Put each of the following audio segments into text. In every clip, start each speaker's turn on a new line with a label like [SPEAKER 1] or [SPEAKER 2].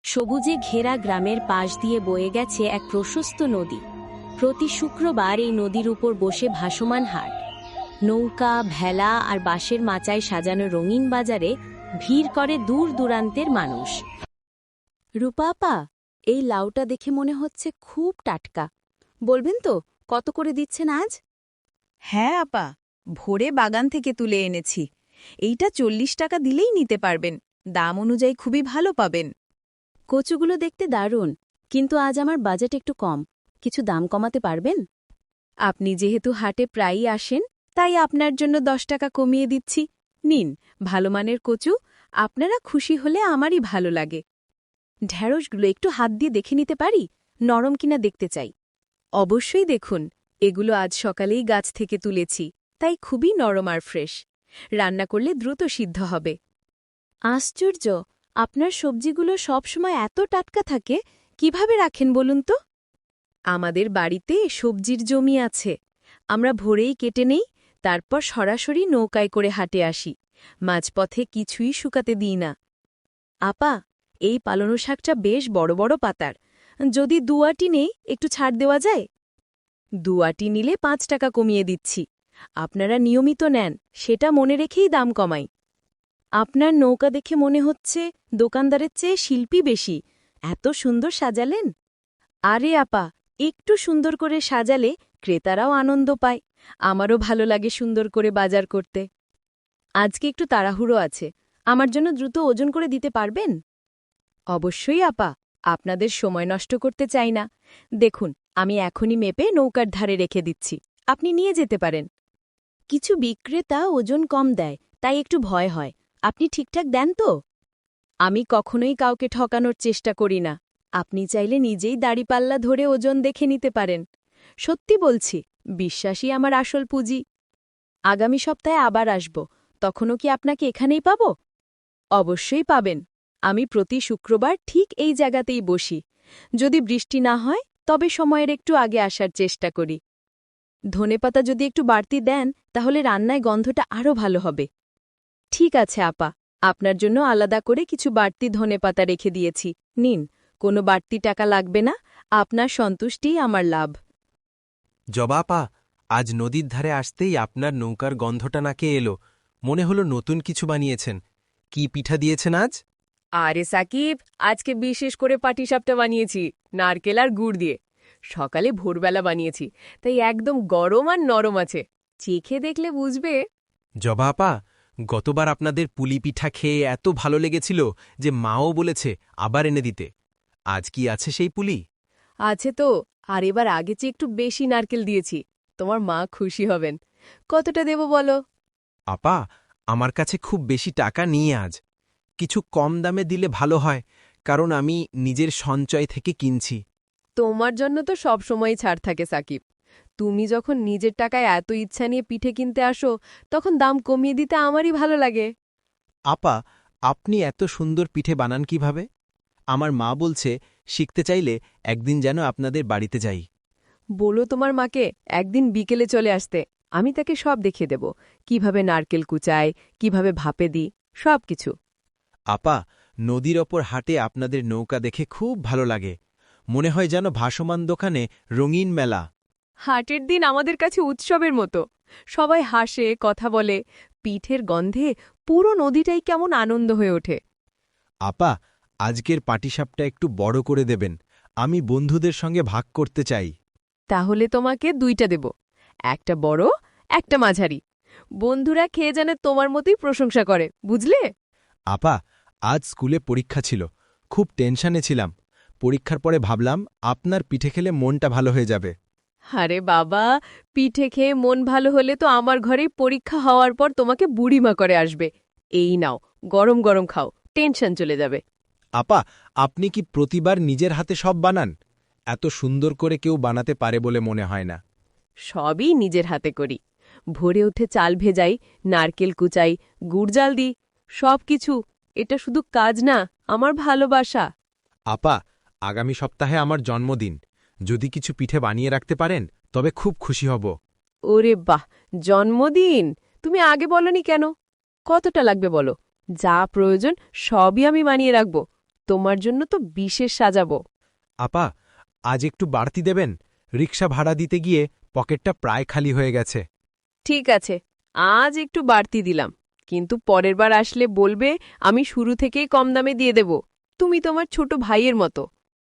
[SPEAKER 1] সবুজে ঘেরা গ্রামের পাশ দিয়ে বয়ে গেছে এক প্রশস্ত নদী। প্রতি শুক্রবার এই নদীর উপর বসে ভাসমান হাট, নৌকা, ভেলা আর বাঁশের মাচায় সাজানো রঙিন বাজারে ভিড় করে দূর দূরান্তের মানুষ। রূপা আপা, এই লাউটা দেখে মনে হচ্ছে খুব টাটকা। বলবেন তো কত করে দিচ্ছেন আজ?
[SPEAKER 2] হ্যাঁ আপা, ভোরে বাগান থেকে তুলে এনেছি। এইটা ৪০ টাকা দিলেই নিতে পারবেন। দাম অনুযায়ী খুবই ভালো পাবেন।
[SPEAKER 1] কচুগুলো দেখতে দারুণ, কিন্তু আজ আমার বাজেট একটু কম। কিছু দাম কমাতে পারবেন?
[SPEAKER 2] আপনি যেহেতু হাটে প্রায়ই আসেন, তাই আপনার জন্য ১০ টাকা কমিয়ে দিচ্ছি। নিন, ভালো মানের কচু। আপনারা খুশি হলে আমারই ভালো লাগে।
[SPEAKER 1] ঢ্যাঁড়সগুলো একটু হাত দিয়ে দেখে নিতে পারি? নরম কিনা দেখতে চাই।
[SPEAKER 2] অবশ্যই দেখুন, এগুলো আজ সকালেই গাছ থেকে তুলেছি, তাই খুবই নরম আর ফ্রেশ। রান্না করলে দ্রুত সিদ্ধ হবে।
[SPEAKER 1] আশ্চর্য, আপনার সবজিগুলো সবসময় এত টাটকা থাকে। কিভাবে রাখেন বলুন তো?
[SPEAKER 2] আমাদের বাড়িতে সবজির জমি আছে। আমরা ভোরেই কেটে নেই, তারপর সরাসরি নৌকায় করে হাটে আসি। মাঝপথে কিছুই শুকাতে দিই না। আপা, এই পালনো শাকটা বেশ বড় বড় পাতার। যদি দুয়াটি নেই, একটু ছাড় দেওয়া যায়? দুয়াটি নিলে ৫ টাকা কমিয়ে দিচ্ছি। আপনারা নিয়মিত নেন, সেটা মনে রেখেই দাম কমাই। আপনার নৌকা দেখে মনে হচ্ছে দোকানদারের চেয়ে শিল্পী বেশি। এত সুন্দর সাজালেন। আরে আপা, একটু সুন্দর করে সাজালে ক্রেতারাও আনন্দ পায়। আমারও ভালো লাগে সুন্দর করে বাজার করতে। আজকে একটু তাড়াহুড়ো আছে, আমার জন্য দ্রুত ওজন করে দিতে পারবেন? অবশ্যই আপা, আপনাদের সময় নষ্ট করতে চাই না। দেখুন, আমি এখনই মেপে নৌকার ধারে রেখে দিচ্ছি। আপনি নিয়ে যেতে পারেন।
[SPEAKER 1] কিছু বিক্রেতা ওজন কম দেয়, তাই একটু ভয় হয়। আপনি ঠিকঠাক দেন তো?
[SPEAKER 2] আমি কখনোই কাউকে ঠকানোর চেষ্টা করি না। আপনি চাইলে নিজেই দাড়িপাল্লা ধরে ওজন দেখে নিতে পারেন। সত্যি বলছি, বিশ্বাসই আমার আসল পুঁজি। আগামী সপ্তাহে আবার আসব, তখনও কি আপনাকে এখানেই পাব? অবশ্যই পাবেন। আমি প্রতি শুক্রবার ঠিক এই জায়গাতেই বসি। যদি বৃষ্টি না হয়, তবে সময়ের একটু আগে আসার চেষ্টা করি। ধনেপাতা যদি একটু বাড়তি দেন, তাহলে রান্নায় গন্ধটা আরও ভালো হবে। ঠিক আছে আপা, আপনার জন্য আলাদা করে কিছু বাড়তি ধনেপাতা রেখে দিয়েছি। নিন, কোনো বাড়তি টাকা লাগবে না। আপনার সন্তুষ্টিই আমার লাভ।
[SPEAKER 3] জবা আপা, আজ নদীর ধারে আসতেই আপনার নৌকার গন্ধটা নাকে এলো। মনে হলো নতুন কিছু বানিয়েছেন। কি পিঠা দিয়েছেন আজ?
[SPEAKER 2] আরে সাকিব, আজকে বিশেষ করে পাটিসাপটা বানিয়েছি, নারকেল আর গুড় দিয়ে। সকালে ভোরবেলা বানিয়েছি, তাই একদম গরম আর নরম আছে। চেখে দেখলে বুঝবে।
[SPEAKER 3] জবা আপা, গতবার আপনাদের পুলি পিঠা খেয়ে এত ভালো লেগেছিল যে মাও বলেছে আবার এনে দিতে। আজ কি আছে সেই পুলি?
[SPEAKER 2] আছে তো, আর এবার আগে চেয়ে একটু বেশি নারকেল দিয়েছি। তোমার মা খুশি হবেন। কতটা দেব বলো?
[SPEAKER 3] আপা, আমার কাছে খুব বেশি টাকা নিয়ে আজ। কিছু কম দামে দিলে ভালো হয়, কারণ আমি নিজের সঞ্চয় থেকে কিনছি।
[SPEAKER 2] তোমার জন্য তো সব সময় ছাড় থাকে সাকিব। তুমি যখন নিজের টাকায় এত ইচ্ছা নিয়ে পিঠে কিনতে আসো, তখন দাম কমিয়ে দিতে আমারই ভালো লাগে।
[SPEAKER 3] আপা, আপনি এত সুন্দর পিঠে বানান কিভাবে? আমার মা বলছে শিখতে চাইলে একদিন যেন আপনাদের বাড়িতে যাই।
[SPEAKER 2] বলো তোমার মাকে একদিন বিকেলে চলে আসতে। আমি তাকে সব দেখিয়ে দেব, কিভাবে নারকেল কুচায়, কিভাবে ভাপে দিই, সব কিছু।
[SPEAKER 3] আপা, নদীর ওপর হাটে আপনাদের নৌকা দেখে খুব ভালো লাগে। মনে হয় যেন ভাসমান দোকানে রঙিন মেলা।
[SPEAKER 2] হাটের দিন আমাদের কাছে উৎসবের মতো। সবাই হাসে, কথা বলে। পিঠের গন্ধে পুরো নদীটাই কেমন আনন্দ হয়ে ওঠে।
[SPEAKER 3] আপা, আজকের পাটিসাপটা একটু বড় করে দেবেন। আমি বন্ধুদের সঙ্গে ভাগ করতে চাই।
[SPEAKER 2] তাহলে তোমাকে ২টা দেব, একটা বড়, একটা মাঝারি। বন্ধুরা খেয়ে যেন তোমার মতোই প্রশংসা করে, বুঝলে?
[SPEAKER 3] আপা, আজ স্কুলে পরীক্ষা ছিল, খুব টেনশনে ছিলাম। পরীক্ষার পরে ভাবলাম আপনার পিঠে খেলে মনটা ভালো হয়ে যাবে।
[SPEAKER 2] আরে বাবা, পিঠে খেয়ে মন ভালো হলে তো আমার ঘরেই পরীক্ষা হওয়ার পর তোমাকে বুড়িমা করে আসবে। এই নাও, গরম গরম খাও, টেনশন চলে যাবে।
[SPEAKER 3] আপা, আপনি কি প্রতিবার নিজের হাতে সব বানান? এত সুন্দর করে কেউ বানাতে পারে বলে মনে হয় না।
[SPEAKER 2] সবই নিজের হাতে করি। ভোরে উঠে চাল ভেজাই, নারকেল কুচাই, গুড় জাল দিই, সব কিছু। এটা শুধু কাজ না, আমার ভালোবাসা।
[SPEAKER 3] আপা, আগামী সপ্তাহে আমার জন্মদিন। যদি কিছু পিঠে বানিয়ে রাখতে পারেন তবে খুব খুশি হব।
[SPEAKER 2] ওরে বাহ, জন্মদিন! তুমি আগে বলনি কেন? কতটা লাগবে বলো? যা প্রয়োজন সবই আমি বানিয়ে রাখব। তোমার জন্য তো বিশেষ সাজাবো।
[SPEAKER 3] আপা, আজ একটু বাড়তি দেবেন? রিক্সা ভাড়া দিতে গিয়ে পকেটটা প্রায় খালি হয়ে গেছে।
[SPEAKER 2] ঠিক আছে, আজ একটু বাড়তি দিলাম, কিন্তু পরের বার আসলে বলবে আমি শুরু থেকেই কম দামে দিয়ে দেব। তুমি তোমার ছোট ভাইয়ের মতো।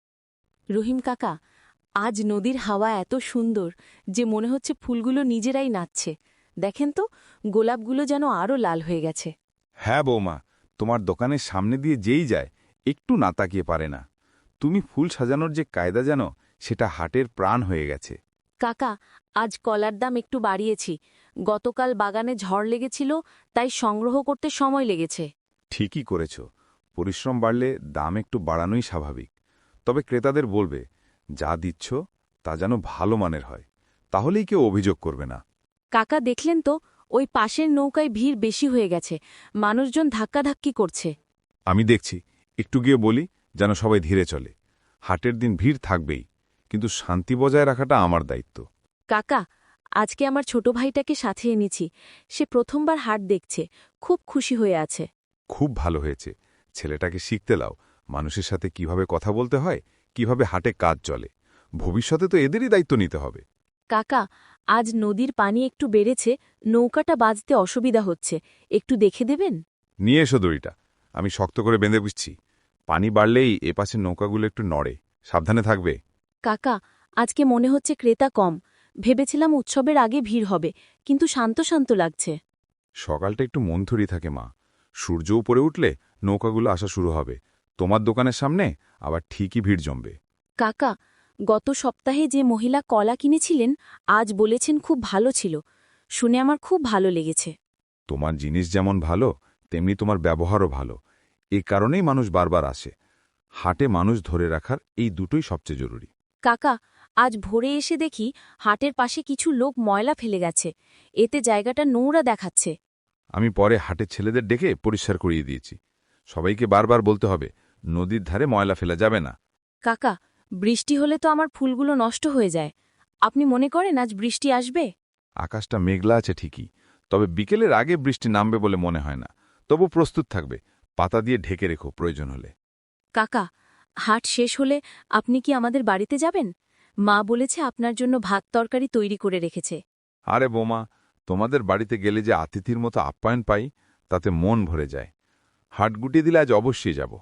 [SPEAKER 1] রহিম কাকা, আজ নদীর হাওয়া এত সুন্দর যে মনে হচ্ছে ফুলগুলো নিজেরাই নাচছে। দেখেন তো, গোলাপগুলো যেন আরও লাল হয়ে গেছে।
[SPEAKER 4] হ্যাঁ বৌমা, তোমার দোকানের সামনে দিয়ে যেই যায় একটু না তাকিয়ে পারে না। তুমি ফুল সাজানোর যে কায়দা জানো, সেটা হাটের প্রাণ হয়ে গেছে।
[SPEAKER 1] কাকা, আজ কলার দাম একটু বাড়িয়েছি। গতকাল বাগানে ঝড় লেগেছিল, তাই সংগ্রহ করতে সময় লেগেছে।
[SPEAKER 4] ঠিকই করেছ, পরিশ্রম বাড়লে দাম একটু বাড়ানোই স্বাভাবিক। তবে ক্রেতাদের বলবে, যা দিচ্ছ তা যেন ভালো মানের হয়, তাহলেই কেউ অভিযোগ করবে না।
[SPEAKER 1] কাকা, দেখলেন তো, ওই পাশের নৌকায় ভিড় বেশি হয়ে গেছে। মানুষজন ধাক্কাধাক্কি করছে।
[SPEAKER 4] আমি দেখছি, একটু গিয়ে বলি যেন সবাই ধীরে চলে। হাটের দিন ভিড় থাকবেই, কিন্তু শান্তি বজায় রাখাটা আমার দায়িত্ব।
[SPEAKER 1] কাকা, আজকে আমার ছোট ভাইটাকে সাথে এনেছি। সে প্রথমবার হাট দেখছে, খুব খুশি হয়ে আছে।
[SPEAKER 4] খুব ভালো হয়েছে, ছেলেটাকে শিখতে লাও মানুষের সাথে কিভাবে কথা বলতে হয়, কিভাবে হাটে কাজ চলে। ভবিষ্যতে তো এদেরই দায়িত্ব নিতে হবে।
[SPEAKER 1] কাকা, আজ নদীর পানি একটু বেড়েছে, নৌকাটা বাজতে অসুবিধা হচ্ছে। একটু দেখে দেবেন?
[SPEAKER 4] নিয়ে এসো দড়িটা, আমি শক্ত করে বেঁধে বুঝছি। পানি বাড়লেই এপাশের নৌকাগুলো একটু নড়ে, সাবধানে থাকবে।
[SPEAKER 1] কাকা, আজকে মনে হচ্ছে ক্রেতা কম। ভেবেছিলাম উৎসবের আগে ভিড় হবে, কিন্তু শান্ত শান্ত লাগছে।
[SPEAKER 4] সকালটা একটু মন্থরই থাকে মা, সূর্য উপরে উঠলে নৌকাগুলো আসা শুরু হবে। তোমার দোকানের সামনে আবার ঠিকই ভিড় জমবে।
[SPEAKER 1] কাকা, গত সপ্তাহে যে মহিলা কলা কিনেছিলেন, আজ বলেছেন খুব ভালো ছিল। শুনে আমার খুব ভালো লেগেছে।
[SPEAKER 4] তোমার জিনিস যেমন ভালো, তেমনি তোমার ব্যবহারও ভালো। এ কারণেই মানুষ বারবার আসে। হাটে মানুষ ধরে রাখার এই দুটোই সবচেয়ে জরুরি।
[SPEAKER 1] কাকা, আজ ভোরে এসে দেখি হাটের পাশে কিছু লোক ময়লা ফেলে গেছে। এতে জায়গাটা নোংরা দেখাচ্ছে।
[SPEAKER 4] আমি পরে হাটের ছেলেদের ডেকে পরিষ্কার করিয়ে দিয়েছি। সবাইকে বারবার বলতে হবে, নদীর ধারে ময়লা ফেলা যাবে না।
[SPEAKER 1] কাকা, বৃষ্টি হলে তো আমার ফুলগুলো নষ্ট হয়ে যায়। আপনি মনে করেন আজ বৃষ্টি আসবে?
[SPEAKER 4] আকাশটা মেঘলা আছে ঠিকই, তবে বিকেলের আগে বৃষ্টি নামবে বলে মনে হয় না। তবু প্রস্তুত থাকবে, পাতা দিয়ে ঢেকে রেখো প্রয়োজন হলে।
[SPEAKER 1] কাকা, হাট শেষ হলে আপনি কি আমাদের বাড়িতে যাবেন? মা বলেছে আপনার জন্য ভাত তরকারি তৈরি করে রেখেছে।
[SPEAKER 4] আরে বোমা, তোমাদের বাড়িতে গেলে যে আতিথির মতো আপ্যায়ন পাই, তাতে মন ভরে যায়। হাট গুটিয়ে দিলে আজ অবশ্যই যাব।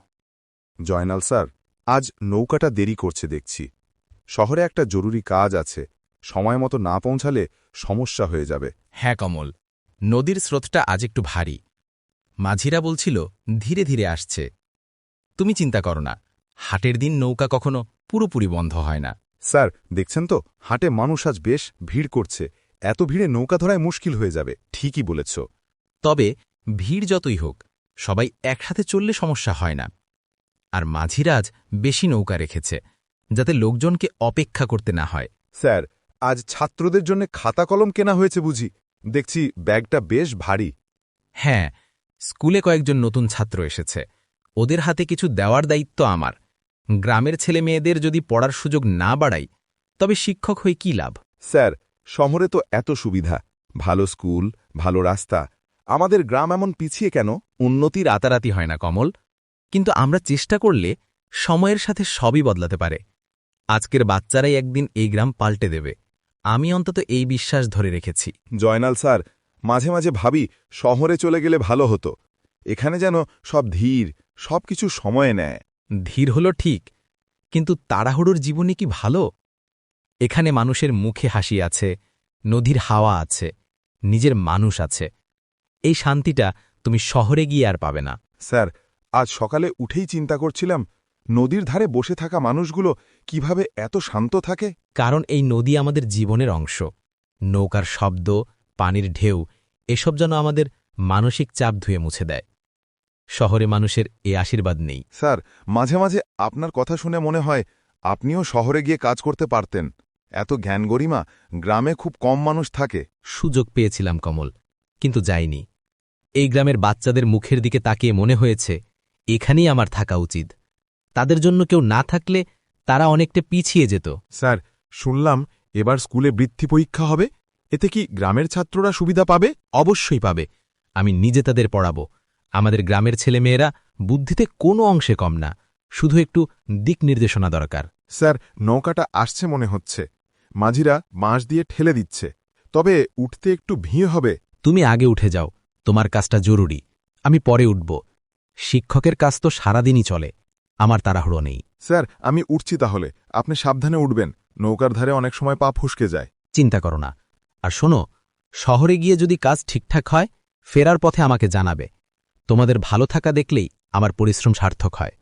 [SPEAKER 5] জয়নাল স্যার, আজ নৌকাটা দেরি করছে দেখছি। শহরে একটা জরুরি কাজ আছে, সময় মতো না পৌঁছালে সমস্যা হয়ে যাবে।
[SPEAKER 6] হ্যাঁ কমল, নদীর স্রোতটা আজ একটু ভারী। মাঝিরা বলছিল ধীরে ধীরে আসছে। তুমি চিন্তা করো না, হাটের দিন নৌকা কখনো পুরোপুরি বন্ধ হয় না।
[SPEAKER 5] স্যার, দেখছেন তো, হাটে মানুষ আজ বেশ ভিড় করছে। এত ভিড়ে নৌকা ধরায় মুশকিল হয়ে যাবে। ঠিকই বলেছ।
[SPEAKER 6] তবে ভিড় যতই হোক, সবাই একসাথে চললে সমস্যা হয় না। আর মাঝিরা আজ বেশি নৌকা রেখেছে, যাতে লোকজনকে অপেক্ষা করতে না হয়।
[SPEAKER 5] স্যার, আজ ছাত্রদের জন্য খাতা কলম কেনা হয়েছে বুঝি? দেখছি ব্যাগটা বেশ ভারী।
[SPEAKER 6] হ্যাঁ, স্কুলে কয়েকজন নতুন ছাত্র এসেছে, ওদের হাতে কিছু দেওয়ার দায়িত্ব আমার। গ্রামের ছেলে মেয়েদের যদি পড়ার সুযোগ না বাড়াই, তবে শিক্ষক হয়ে কী লাভ?
[SPEAKER 5] স্যার, শহরে তো এত সুবিধা, ভালো স্কুল, ভালো রাস্তা। আমাদের গ্রাম এমন পিছিয়ে কেন?
[SPEAKER 6] উন্নতি রাতারাতি হয় না কমল, কিন্তু আমরা চেষ্টা করলে সময়ের সাথে সবই বদলাতে পারে। আজকের বাচ্চারাই একদিন এই গ্রাম পাল্টে দেবে, আমি অন্তত এই বিশ্বাস ধরে রেখেছি।
[SPEAKER 5] জয়নাল স্যার, মাঝে মাঝে ভাবি শহরে চলে গেলে ভালো হতো। এখানে যেন সব ধীর, সবকিছু সময়ে নেয়।
[SPEAKER 6] ধীর হলো ঠিক, কিন্তু তাড়াহুড়োর জীবনে কি ভালো? এখানে মানুষের মুখে হাসি আছে, নদীর হাওয়া আছে, নিজের মানুষ আছে। এই শান্তিটা তুমি শহরে গিয়ে আর পাবে না।
[SPEAKER 5] স্যার, আজ সকালে উঠেই চিন্তা করছিলাম, নদীর ধারে বসে থাকা মানুষগুলো কিভাবে এত শান্ত থাকে।
[SPEAKER 6] কারণ এই নদী আমাদের জীবনের অংশ। নৌকার শব্দ, পানির ঢেউ, এসব যেন আমাদের মানসিক চাপ ধুয়ে মুছে দেয়। শহরে মানুষের এ আশীর্বাদ নেই।
[SPEAKER 5] স্যার, মাঝে মাঝে আপনার কথা শুনে মনে হয় আপনিও শহরে গিয়ে কাজ করতে পারতেন। এত জ্ঞানগরিমা গ্রামে খুব কম মানুষ থাকে।
[SPEAKER 6] সুযোগ পেয়েছিলাম কমল, কিন্তু যাইনি। এই গ্রামের বাচ্চাদের মুখের দিকে তাকিয়ে মনে হয়েছে এখানেই আমার থাকা উচিত। তাদের জন্য কেউ না থাকলে তারা অনেকটা পিছিয়ে যেত।
[SPEAKER 5] স্যার, শুনলাম এবার স্কুলে বৃত্তি পরীক্ষা হবে। এতে কি গ্রামের ছাত্ররা সুবিধা পাবে?
[SPEAKER 6] অবশ্যই পাবে। আমি নিজে তাদের পড়াবো। আমাদের গ্রামের ছেলেমেয়েরা বুদ্ধিতে কোনো অংশে কম না, শুধু একটু দিক নির্দেশনা দরকার।
[SPEAKER 5] স্যার, নৌকাটা আসছে মনে হচ্ছে। মাঝিরা বাঁশ দিয়ে ঠেলে দিচ্ছে, তবে উঠতে একটু ভিড় হবে।
[SPEAKER 6] তুমি আগে উঠে যাও, তোমার কাজটা জরুরি। আমি পরে উঠব। শিক্ষকের কাজ তো সারাদিনই চলে, আমার তাড়াহুড়ো নেই।
[SPEAKER 5] স্যার, আমি উঠছি তাহলে, আপনি সাবধানে উঠবেন। নৌকার ধারে অনেক সময় পা ফুসকে যায়।
[SPEAKER 6] চিন্তা করো না। আর শোনো, শহরে গিয়ে যদি কাজ ঠিকঠাক হয়, ফেরার পথে আমাকে জানাবে। তোমাদের ভালো থাকা দেখলেই আমার পরিশ্রম সার্থক হয়।